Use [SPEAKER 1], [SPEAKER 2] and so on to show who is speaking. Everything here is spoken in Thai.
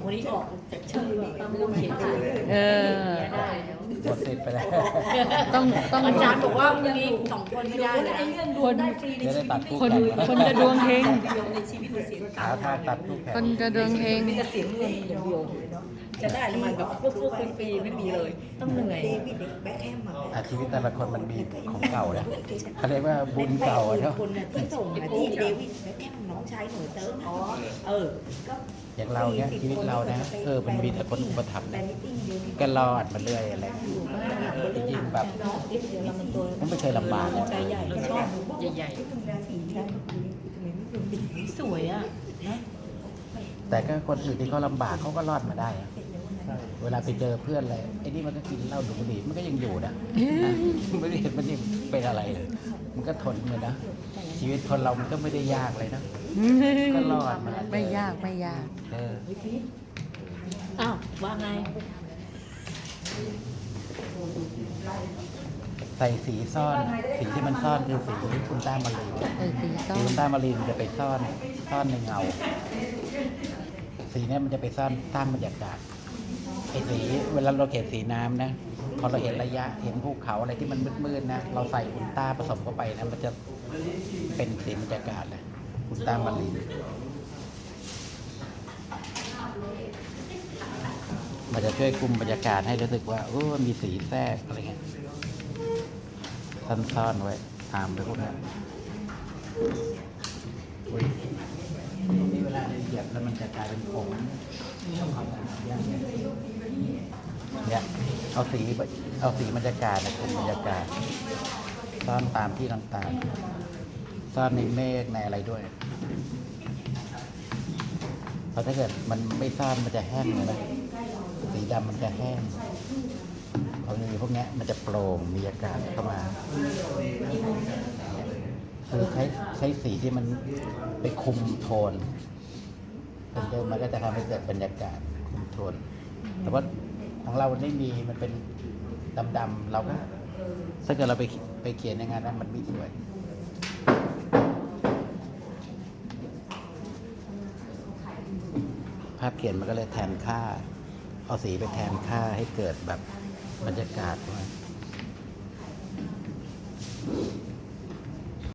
[SPEAKER 1] คนนี้ออกจากชื่อไม่ต้องเขียนชื่อ
[SPEAKER 2] เออ
[SPEAKER 1] ได้แล้ว
[SPEAKER 3] หมดสิทธิ์ไปแล้ว
[SPEAKER 2] ต้อง
[SPEAKER 1] อาจารย์บอกว่าวันนี้สองคนไม่ได้นะ
[SPEAKER 2] คน
[SPEAKER 3] จะได้ตัดคู่
[SPEAKER 2] คน
[SPEAKER 3] กัน
[SPEAKER 2] คนจะดวงเฮง
[SPEAKER 1] ในชีวิตเสียง
[SPEAKER 3] หาทางตัดคู่แข่ง
[SPEAKER 2] คนจะดวงเฮง
[SPEAKER 1] มีแต่เสียงเงินอย่างเดียวจะได้มันแบบฟุ๊บฟรีไม่มีเลย ต้องเหนื่อย
[SPEAKER 4] เดวิดแบ็คแฮมมา
[SPEAKER 3] ชีวิตแต่ละคนมันมีของเก่านะเขาเรียกว่าบุญเก่าอะเนาะ
[SPEAKER 4] คนน่ะที่ส่งมาที่เดวิดแบ็คแฮมน้องชายหนูเติร์นอ๋อก็
[SPEAKER 3] อย่างเราเนี่ยชีวิตเรานะมันมีแต่คนอุปถัมภ์
[SPEAKER 4] แฟนมิทติ้งเดียวที่
[SPEAKER 3] ก็รอดมาเรื่อยอะไรจริงๆแบบมันไม่เคยลำบากเลย
[SPEAKER 1] ใจใหญ่ชอบใหญ่
[SPEAKER 4] ราศีแค่
[SPEAKER 1] ๆสวยอ่ะนะ
[SPEAKER 3] แต่ก็คนอื่นที่เขาลำบากเขาก็รอดมาได้อะเวลาไปเจอเพื่อนอะไรไอ้นี่มันก็กินเหล้าดูดบุหรี่มันก็ยังอยู่นะไม่ได้เห็นมันยังเป็นอะไรเลย มันก็ทนเลยนะชีวิตคนเรามันก็ไม่ได้ยากเลยนะก็รอดมา
[SPEAKER 2] ไม่ยากไม่ยาก
[SPEAKER 3] เออ
[SPEAKER 1] อ้าวว่าไง
[SPEAKER 3] ใส่สีซ่อนสีที่มันซ่อนคือสีอุลตรามารีน
[SPEAKER 2] สีส้
[SPEAKER 3] สี
[SPEAKER 2] ม
[SPEAKER 3] อุลตรามารีนมันจะไปซ่อนในเงา สีเนี้ยมันจะไปซ่อนสร้างบรรยากาศไอ้สีเวลาเราเห็นสีน้ำนะพอเราเห็นระยะเห็นภูเขาอะไรที่มันมืดๆนะเราใส่อุลตราผสมเข้าไปนะมันจะเป็นสีบรรยากาศเลยอุลตรามารีนมันจะช่วยคุมบรรยากาศให้รู้สึกว่ามีสีแทรกอะไรเงี้ยซ่อนๆไว้ตามไปพวกนั้นอุ๊ยนี่เวลาเราเหยียบแล้วมันจะกลายเป็นผงเนี่ยเอาสีบรรยากาศนะคุมบรรยากาศซ่อนตามที่ต่างๆซ่อนในเมฆในอะไรด้วยเพราะถ้าเกิดมันไม่ซ่อนมันจะแห้งเลยนะสีดำมันจะแห้งพอมีพวกนี้มันจะโปร่งมีอากาศเข้ามาคือใช้สีที่มันไปคุมโทนเป็นเดิมมันก็จะทำให้เกิดบรรยากาศคุมโทนแต่ว่าของเราไม่มีมันเป็นดำๆเราก็ถ้าเกิดเราไปเขียนในงานนั้นมันไม่สวยภาพเขียนมันก็เลยแทนค่าเอาสีไปแทนค่าให้เกิดแบบบรรยากาศ